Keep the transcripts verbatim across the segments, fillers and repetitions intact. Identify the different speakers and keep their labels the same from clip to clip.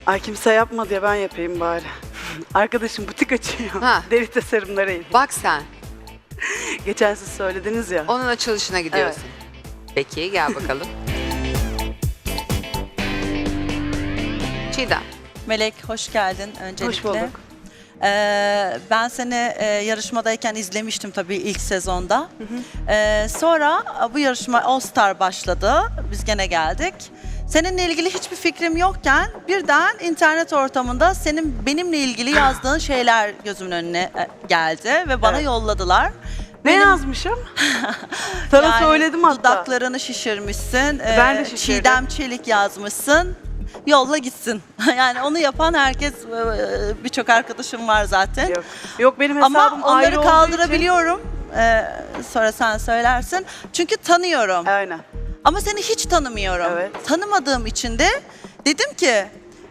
Speaker 1: Ay kimse yapma diye ben yapayım bari. Arkadaşım butik açıyor.
Speaker 2: Ha.
Speaker 1: Deri tasarımları eğitim.
Speaker 2: Bak sen,
Speaker 1: Geçen siz söylediniz ya.
Speaker 2: onun açılışına gidiyorsun. Peki, gel bakalım. Çiğdem.
Speaker 3: Melek hoş geldin öncelikle.
Speaker 1: Hoş bulduk.
Speaker 3: Ee, ben seni e, yarışmadayken izlemiştim tabii ilk sezonda. Hı hı. Ee, sonra bu yarışma All Star başladı. Biz gene geldik. Seninle ilgili hiçbir fikrim yokken birden internet ortamında senin benimle ilgili yazdığın şeyler gözümün önüne e, geldi ve bana
Speaker 1: Evet.
Speaker 3: yolladılar.
Speaker 1: Ne
Speaker 3: Benim-
Speaker 1: yazmışım? Sana
Speaker 3: Yani
Speaker 1: söyledim hatta.
Speaker 3: Dudaklarını şişirmişsin.
Speaker 1: Ben de
Speaker 3: ee,
Speaker 1: şişirdim.
Speaker 3: Çiğdem Çelik yazmışsın. Yolla gitsin. Yani onu yapan herkes, e, birçok arkadaşım var zaten.
Speaker 1: Yok. Yok benim hesabım
Speaker 3: Ama
Speaker 1: ayrı
Speaker 3: onları
Speaker 1: olduğu
Speaker 3: kaldırabiliyorum. Ee, sonra sen söylersin. Çünkü tanıyorum.
Speaker 1: için. Aynen.
Speaker 3: Ama seni hiç tanımıyorum.
Speaker 1: Evet.
Speaker 3: Tanımadığım için de dedim ki...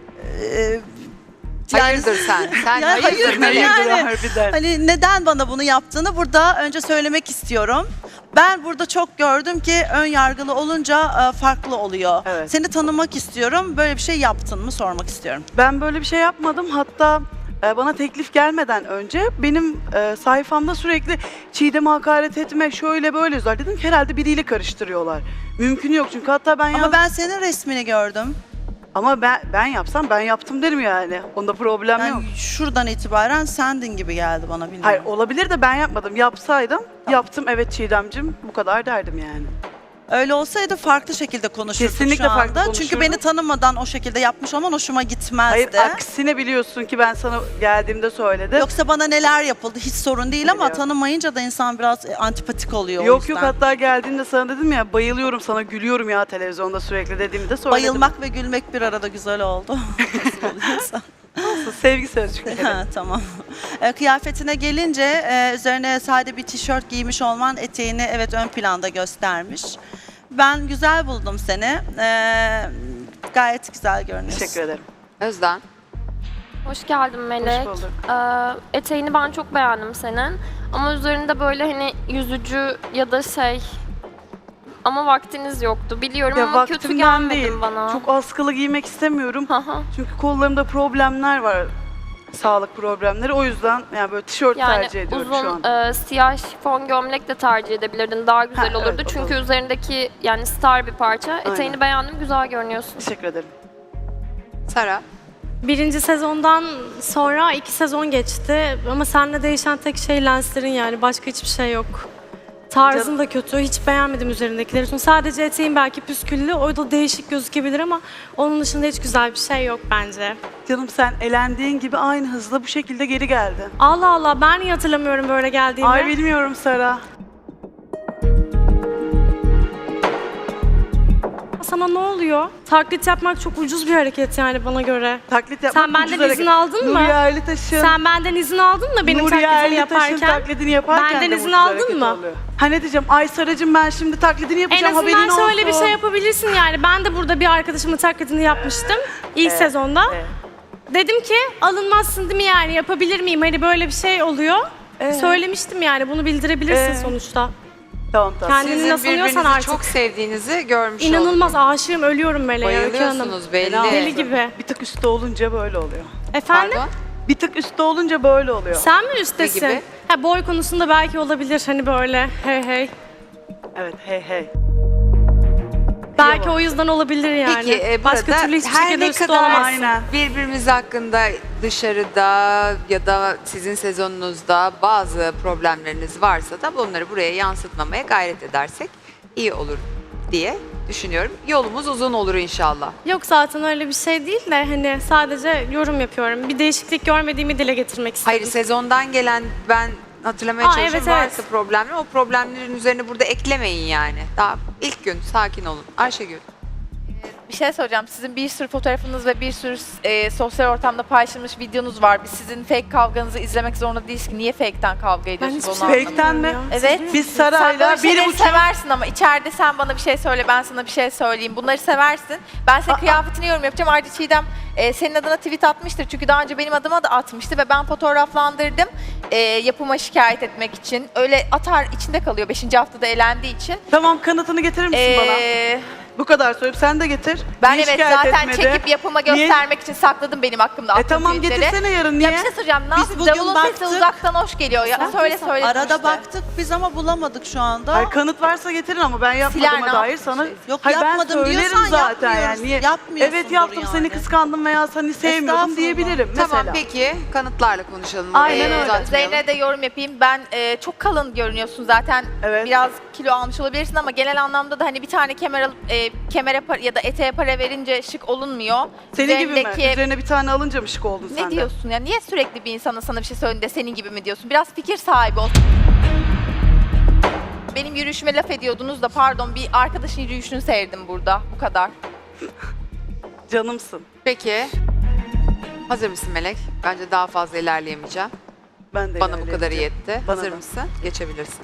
Speaker 3: e,
Speaker 2: Hayırdır sen? Sen
Speaker 3: Yani
Speaker 2: hayırdır
Speaker 3: hayırdır
Speaker 2: Melek?
Speaker 3: yani.
Speaker 1: Hayırdır harbiden.
Speaker 3: Hani neden bana bunu yaptığını burada önce söylemek istiyorum. Ben burada çok gördüm ki ön yargılı olunca e, farklı oluyor.
Speaker 1: Evet.
Speaker 3: Seni tanımak istiyorum. Böyle bir şey yaptın mı sormak istiyorum.
Speaker 1: Ben böyle bir şey yapmadım. Hatta e, bana teklif gelmeden önce benim e, sayfamda sürekli Çiğdem'e hakaret etme şöyle böyle yazar. Dedim ki herhalde biriyle karıştırıyorlar. Mümkün yok çünkü hatta ben
Speaker 3: Ama
Speaker 1: yaz-
Speaker 3: ben senin resmini gördüm.
Speaker 1: Ama ben ben yapsam ben yaptım derim yani. Onda problem yok.
Speaker 3: Yani şuradan itibaren sendin gibi geldi bana, bilmiyorum.
Speaker 1: Hayır olabilir de ben yapmadım. Yapsaydım yaptım evet Çiğdem'cim bu kadar derdim yani.
Speaker 3: Öyle olsaydı farklı şekilde konuşurduk
Speaker 1: Kesinlikle
Speaker 3: şu anda.
Speaker 1: farklı
Speaker 3: Çünkü
Speaker 1: konuşurduk.
Speaker 3: beni tanımadan o şekilde yapmış olman hoşuma gitmezdi.
Speaker 1: Hayır aksine biliyorsun ki ben sana geldiğimde söyledim.
Speaker 3: Yoksa bana neler yapıldı hiç sorun değil ama
Speaker 1: Biliyorum.
Speaker 3: tanımayınca da insan biraz e, antipatik oluyor o
Speaker 1: Yok
Speaker 3: yüzden.
Speaker 1: yok hatta geldiğinde sana dedim ya bayılıyorum sana gülüyorum ya televizyonda sürekli dediğimde söyledim.
Speaker 3: Bayılmak ve gülmek bir arada güzel oldu. Nasıl oluyorsa.
Speaker 1: Sevgi sözcükleri.
Speaker 3: Ha, tamam. E, kıyafetine gelince e, üzerine sade bir tişört giymiş olman eteğini evet ön planda göstermiş. Ben güzel buldum seni. E, gayet güzel görünüyorsun.
Speaker 1: Teşekkür ederim.
Speaker 2: Özden.
Speaker 4: Hoş geldin Melek.
Speaker 1: Hoş bulduk.
Speaker 4: Ee, eteğini ben çok beğendim senin. Ama üzerinde böyle hani yüzücü ya da şey... Ama vaktiniz yoktu. Biliyorum
Speaker 1: Ya
Speaker 4: ama kötü
Speaker 1: vaktimden
Speaker 4: gelmedin
Speaker 1: değil.
Speaker 4: bana.
Speaker 1: Çok askılı giymek istemiyorum.
Speaker 4: Hı hı.
Speaker 1: Çünkü kollarımda problemler var. Sağlık problemleri. O yüzden yani böyle tişört
Speaker 4: Yani
Speaker 1: tercih ediyorum şu
Speaker 4: uzun
Speaker 1: an.
Speaker 4: e, siyah şifon gömlek de tercih edebilirdin. Daha güzel
Speaker 1: Ha, evet,
Speaker 4: olurdu.
Speaker 1: o da
Speaker 4: Çünkü
Speaker 1: olur.
Speaker 4: üzerindeki yani star bir parça. Eteğini
Speaker 1: Aynen.
Speaker 4: beğendim. Güzel görünüyorsun.
Speaker 1: Teşekkür ederim.
Speaker 2: Sara.
Speaker 5: Birinci sezondan sonra iki sezon geçti ama seninle değişen tek şey lenslerin, yani başka hiçbir şey yok. Tarzın da kötü, hiç beğenmedim üzerindekileri. Çünkü sadece eteğin belki püsküllü, o da değişik gözükebilir ama onun dışında hiç güzel bir şey yok bence.
Speaker 1: Canım sen elendiğin gibi aynı hızla bu şekilde geri geldin.
Speaker 5: Allah Allah, ben niye hatırlamıyorum böyle geldiğimi?
Speaker 1: Ay bilmiyorum Sara.
Speaker 5: Sana ne oluyor? Taklit yapmak çok ucuz bir hareket yani bana göre.
Speaker 1: Taklit yapmak
Speaker 5: Sen benden
Speaker 1: ucuz
Speaker 5: izin
Speaker 1: hareket.
Speaker 5: aldın mı?
Speaker 1: Nuriye Erlitaş'ın
Speaker 5: Sen benden izin aldın mı benim
Speaker 1: Nuriye
Speaker 5: taklidimi
Speaker 1: Erlitaş'ın
Speaker 5: yaparken?
Speaker 1: taklidini yaparken
Speaker 5: Benden
Speaker 1: de
Speaker 5: izin
Speaker 1: ucuz
Speaker 5: aldın
Speaker 1: hareket
Speaker 5: mı?
Speaker 1: oluyor. Ha ne diyeceğim? Ay Saracığım ben şimdi taklidini
Speaker 5: En
Speaker 1: yapacağım
Speaker 5: azından
Speaker 1: haberin olsun.
Speaker 5: şöyle bir şey yapabilirsin yani. Ben de burada bir arkadaşımın taklidini yapmıştım ilk
Speaker 1: Evet,
Speaker 5: sezonda.
Speaker 1: evet.
Speaker 5: Dedim ki alınmazsın değil mi yani, yapabilir miyim? Hani böyle bir şey oluyor.
Speaker 1: Evet.
Speaker 5: Söylemiştim yani, bunu bildirebilirsin
Speaker 1: Evet.
Speaker 5: sonuçta.
Speaker 1: Tamam tamam.
Speaker 5: Kendini
Speaker 2: Sizin
Speaker 5: nasıl alıyorsan
Speaker 2: birbirinizi
Speaker 5: artık.
Speaker 2: çok sevdiğinizi görmüş
Speaker 5: İnanılmaz
Speaker 2: oldum.
Speaker 5: aşığım, ölüyorum Meleğe Öykü Hanım.
Speaker 2: Bayılıyorsunuz belli.
Speaker 5: Deli gibi.
Speaker 1: Bir tık üstte olunca böyle oluyor.
Speaker 5: Efendim?
Speaker 2: Pardon?
Speaker 1: Bir tık üstte olunca böyle oluyor.
Speaker 5: Sen mi üstesin?
Speaker 2: gibi?
Speaker 5: Ha, boy konusunda belki olabilir hani böyle hey hey.
Speaker 1: Evet hey hey.
Speaker 5: Belki
Speaker 1: Bravo.
Speaker 5: o yüzden olabilir yani.
Speaker 2: Peki e,
Speaker 5: Başka
Speaker 2: burada
Speaker 5: türlü hiçbir
Speaker 2: her
Speaker 5: şekilde
Speaker 2: ne
Speaker 5: üstte
Speaker 2: kadar
Speaker 5: olamazsın.
Speaker 1: Aynen.
Speaker 2: birbirimiz hakkında dışarıda ya da sizin sezonunuzda bazı problemleriniz varsa da bunları buraya yansıtmamaya gayret edersek iyi olur diye düşünüyorum. Yolumuz uzun olur inşallah.
Speaker 5: Yok zaten öyle bir şey değil de hani sadece yorum yapıyorum. Bir değişiklik görmediğimi dile getirmek istedim.
Speaker 2: Hayır, sezondan gelen ben hatırlamaya
Speaker 5: Aa,
Speaker 2: çalışıyorum
Speaker 5: evet,
Speaker 2: varsa
Speaker 5: evet.
Speaker 2: problemler, o problemlerin üzerine burada eklemeyin yani. Daha ilk gün sakin olun. Ayşegül.
Speaker 6: Bir şey soracağım. Sizin bir sürü fotoğrafınız ve bir sürü e, sosyal ortamda paylaşılmış videonuz var. Biz sizin fake kavganızı izlemek zorunda değiliz ki. Niye fake'ten kavga ediyorsunuz
Speaker 5: hiçbir
Speaker 6: onu
Speaker 5: şey
Speaker 6: anlamadım.
Speaker 1: Fake'ten mi?
Speaker 5: Ya.
Speaker 6: Evet.
Speaker 1: Biz
Speaker 6: Sen
Speaker 1: Sara'yla
Speaker 6: böyle
Speaker 1: bir
Speaker 6: şeyleri
Speaker 1: buçuk...
Speaker 6: seversin ama içeride sen bana bir şey söyle, ben sana bir şey söyleyeyim. Bunları seversin. Ben senin
Speaker 1: Aa.
Speaker 6: kıyafetini yorum yapacağım. Ayrıca Çiğdem e, senin adına tweet atmıştır. Çünkü daha önce benim adıma da atmıştı ve ben fotoğraflandırdım. E, yapıma şikayet etmek için. Öyle atar içinde kalıyor beşinci haftada elendiği için.
Speaker 1: Tamam kanıtını getirir misin bana?
Speaker 6: Ee,
Speaker 1: Bu kadar söyleyip sen de getir.
Speaker 6: Ben
Speaker 1: Niye
Speaker 6: evet
Speaker 1: şikayet
Speaker 6: zaten
Speaker 1: etmedi?
Speaker 6: çekip yapıma
Speaker 1: Niye-
Speaker 6: göstermek için sakladım benim hakkımda
Speaker 1: E
Speaker 6: attığım
Speaker 1: tamam
Speaker 6: tweetleri.
Speaker 1: getirsene yarın niye?
Speaker 6: Ya bir şey söyleyeceğim. Ne
Speaker 3: Biz
Speaker 6: yapayım?
Speaker 3: bugün
Speaker 6: Davulun sesi
Speaker 3: baktık.
Speaker 6: uzaktan hoş geliyor. Ya söyle söyle.
Speaker 3: Arada
Speaker 6: işte.
Speaker 3: baktık biz ama bulamadık şu anda.
Speaker 1: Hayır, kanıt varsa getirin ama ben
Speaker 6: Siler
Speaker 1: yapmadığıma
Speaker 6: ne
Speaker 1: dair
Speaker 6: yapmış
Speaker 1: sana...
Speaker 6: şey?
Speaker 3: Yok,
Speaker 1: Hayır, ben
Speaker 3: yapmadım
Speaker 1: söylerim
Speaker 3: diyorsan
Speaker 1: zaten
Speaker 3: yapmıyoruz.
Speaker 1: yani. Niye?
Speaker 3: Yapmıyorsundur
Speaker 1: Evet yaptım seni
Speaker 3: yani.
Speaker 1: kıskandım veya seni sevmiyordum
Speaker 3: Estağfurullah.
Speaker 1: diyebilirim mesela.
Speaker 2: Tamam peki kanıtlarla konuşalım.
Speaker 1: Aynen
Speaker 2: Orayı
Speaker 1: öyle.
Speaker 2: uzatmayalım.
Speaker 6: Zeynep'e de yorum yapayım. Ben e, çok kalın görünüyorsun zaten.
Speaker 1: Evet.
Speaker 6: Biraz kilo almış olabilirsin ama genel anlamda da hani bir tane kemer alıp e, kemere par- ya da eteğe para verince şık olunmuyor.
Speaker 1: Senin gibi mi?
Speaker 6: Üzerindeki-
Speaker 1: Üzerine bir tane alınca mı şık oldun sen
Speaker 6: Ne
Speaker 1: de?
Speaker 6: diyorsun ya? Niye sürekli bir insana sana bir şey söylediğinde senin gibi mi diyorsun? Biraz fikir sahibi ol. Benim yürüyüşüme laf ediyordunuz da pardon bir arkadaşın yürüyüşünü seyirdim burada. Bu kadar.
Speaker 1: Canımsın.
Speaker 2: Peki. Hazır mısın Melek? Bence daha fazla ilerleyemeyeceğim.
Speaker 1: Ben de
Speaker 2: Bana bu kadar
Speaker 1: ilerleyeceğim.
Speaker 2: yetti.
Speaker 1: Bana
Speaker 2: Hazır
Speaker 1: da.
Speaker 2: mısın? Geçebilirsin.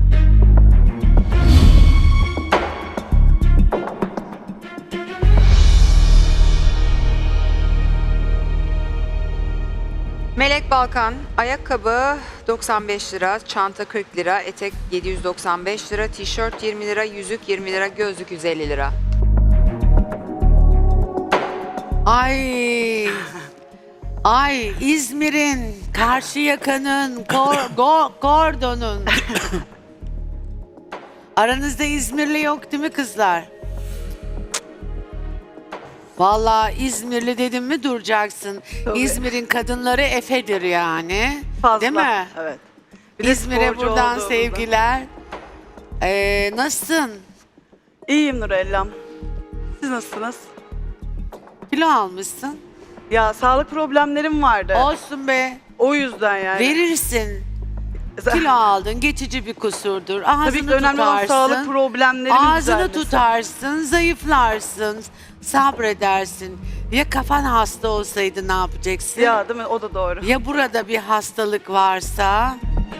Speaker 2: Melek Balkan, ayakkabı doksan beş lira, çanta kırk lira, etek yedi yüz doksan beş lira, tişört yirmi lira, yüzük yirmi lira, gözlük yüz elli lira.
Speaker 7: Ay. Ay İzmir'in, Karşıyaka'nın, Kor, Go- Kordon'un. Aranızda İzmirli yok değil mi kızlar? Vallahi İzmirli dedim mi duracaksın.
Speaker 1: Tabii.
Speaker 7: İzmir'in kadınları Efe'dir yani.
Speaker 1: Fazla.
Speaker 7: Değil mi?
Speaker 1: Evet. Bir de
Speaker 7: İzmir'e
Speaker 1: sporcu
Speaker 7: buradan
Speaker 1: olduğumuzda.
Speaker 7: sevgiler. Ee, nasılsın?
Speaker 1: İyiyim Nurellam. Siz nasılsınız?
Speaker 7: Kilo almışsın.
Speaker 1: Ya sağlık problemlerim vardı.
Speaker 7: Olsun be.
Speaker 1: O yüzden yani.
Speaker 7: Verirsin. Kilo aldın, geçici bir kusurdur. Ağzını
Speaker 1: Tabii ki önemli olan
Speaker 7: tutarsın.
Speaker 1: sağlık problemlerimin
Speaker 7: Ağzını
Speaker 1: düzelmesi.
Speaker 7: tutarsın, zayıflarsın, sabredersin. Ya kafan hasta olsaydı ne yapacaksın? Ya,
Speaker 1: Ya değil mi? O da doğru.
Speaker 7: ya burada bir hastalık varsa?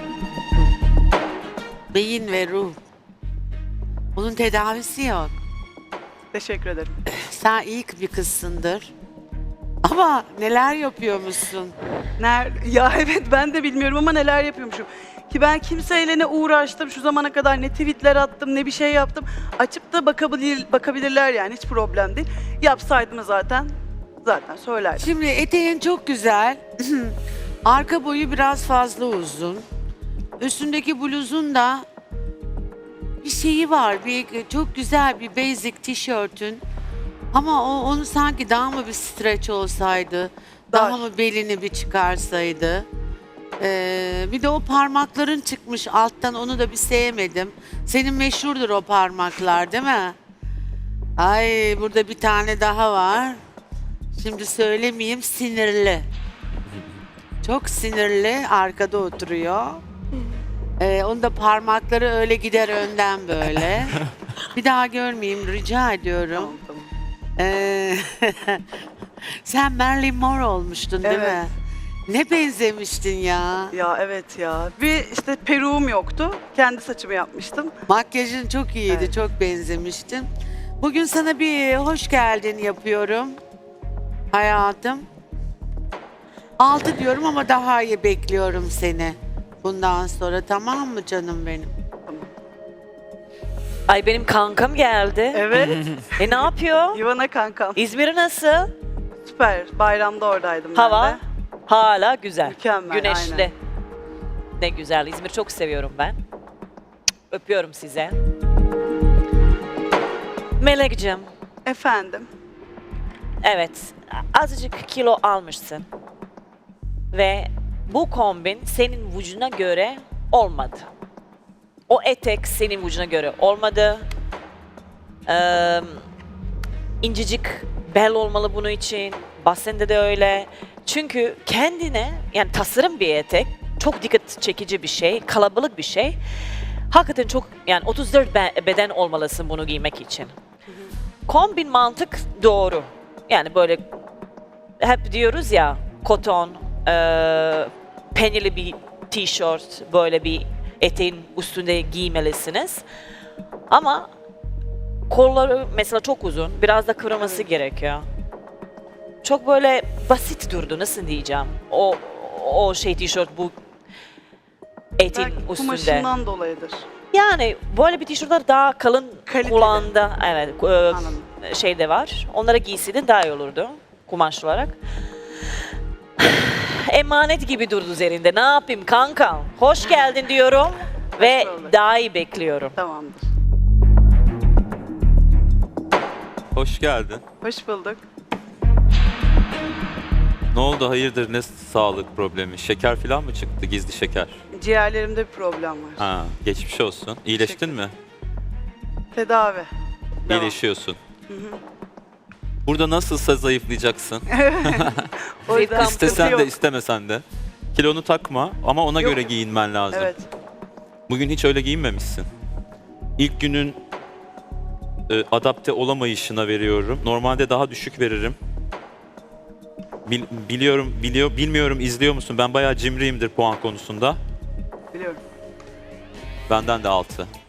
Speaker 7: Beyin ve ruh. Bunun tedavisi yok.
Speaker 1: Teşekkür ederim.
Speaker 7: Sen iyi bir kızsındır. Ama neler yapıyormuşsun?
Speaker 1: Ner ya evet ben de bilmiyorum ama neler yapıyormuşum. Ki ben kimseyle ne uğraştım şu zamana kadar, ne tweetler attım, ne bir şey yaptım. Açıp da bakabilir, bakabilirler yani, hiç problem değil. Yapsaydım zaten zaten söylerdim.
Speaker 7: Şimdi eteğin çok güzel. Arka boyu biraz fazla uzun. Üstündeki bluzun da bir şeyi var. Bir çok güzel bir basic tişörtün. Ama o onu sanki daha mı bir stretch olsaydı, daha
Speaker 1: Dar.
Speaker 7: mı belini bir çıkarsaydı. Ee, bir de o parmakların çıkmış alttan, onu da bir sevmedim. Senin meşhurdur o parmaklar değil mi? Ay burada bir tane daha var. Şimdi söylemeyeyim, sinirli. Çok sinirli, arkada oturuyor. Ee, onun da parmakları öyle gider önden böyle. Bir daha görmeyeyim rica ediyorum.
Speaker 1: Tamam, tamam.
Speaker 7: Ee, sen Marilyn Monroe olmuştun değil
Speaker 1: Evet.
Speaker 7: mi? Ne benzemiştin ya.
Speaker 1: Ya evet ya. Bir işte peruğum yoktu. Kendi saçımı yapmıştım.
Speaker 7: Makyajın çok iyiydi,
Speaker 1: Evet.
Speaker 7: çok benzemiştin. Bugün sana bir hoş geldin yapıyorum. Hayatım. Altı diyorum ama daha iyi bekliyorum seni. Bundan sonra, tamam mı canım benim?
Speaker 8: Ay benim kankam geldi.
Speaker 1: Evet.
Speaker 8: E ne yapıyor?
Speaker 1: Ivana kankam.
Speaker 8: İzmir nasıl?
Speaker 1: Süper. Bayramda oradaydım ben
Speaker 8: Hava
Speaker 1: de.
Speaker 8: hala güzel.
Speaker 1: Mükemmel,
Speaker 8: Güneşli.
Speaker 1: aynen.
Speaker 8: Ne güzel. İzmir çok seviyorum ben. Öpüyorum size. Melek'cim,
Speaker 1: Efendim.
Speaker 8: evet azıcık kilo almışsın. Ve bu kombin senin vücuduna göre olmadı. O etek senin vücuduna göre olmadı. Ee, incecik bel olmalı bunun için. Basende de öyle. Çünkü kendine, yani tasarım bir etek, çok dikkat çekici bir şey, kalabalık bir şey. Hakikaten çok, yani otuz dört be- beden olmalısın bunu giymek için. Kombin mantık doğru. Yani böyle hep diyoruz ya, koton, eee penili bir tişört, böyle bir eteğin üstünde giymelisiniz. Ama kolları mesela çok uzun, biraz da kıvırması gerekiyor. Çok böyle basit durdu, nasıl diyeceğim? O o şey tişört bu etin
Speaker 1: Belki
Speaker 8: üstünde.
Speaker 1: kumaşından dolayıdır.
Speaker 8: Yani böyle bir tişörtler daha kalın
Speaker 1: Kaliteli.
Speaker 8: kulağında, evet, e,
Speaker 1: Anladım.
Speaker 8: şey de var. Onlara giysiydin daha iyi olurdu kumaş olarak. Emanet gibi durdu üzerinde. Ne yapayım kanka? Hoş geldin diyorum ve
Speaker 1: bulduk.
Speaker 8: daha iyi bekliyorum.
Speaker 1: Tamamdır.
Speaker 9: Hoş geldin.
Speaker 1: Hoş bulduk.
Speaker 9: Ne oldu hayırdır ne sağlık problemi? Şeker falan mı çıktı gizli şeker?
Speaker 1: Ciğerlerimde bir problem var.
Speaker 9: Ha, geçmiş olsun. İyileştin mi?
Speaker 1: Tedavi. Devam.
Speaker 9: İyileşiyorsun. Burada nasılsa zayıflayacaksın.
Speaker 1: O yüzden sıkıntı
Speaker 9: İstesen
Speaker 1: yok.
Speaker 9: de istemesen de. Kilonu takma ama ona
Speaker 1: Yok.
Speaker 9: göre giyinmen lazım.
Speaker 1: Evet.
Speaker 9: Bugün hiç öyle giyinmemişsin. İlk günün e, adapte olamayışına veriyorum. Normalde daha düşük veririm. Bil- biliyorum, biliyor, bilmiyorum izliyor musun? Ben bayağı cimriyimdir puan konusunda.
Speaker 1: Biliyorum.
Speaker 9: Benden de altı.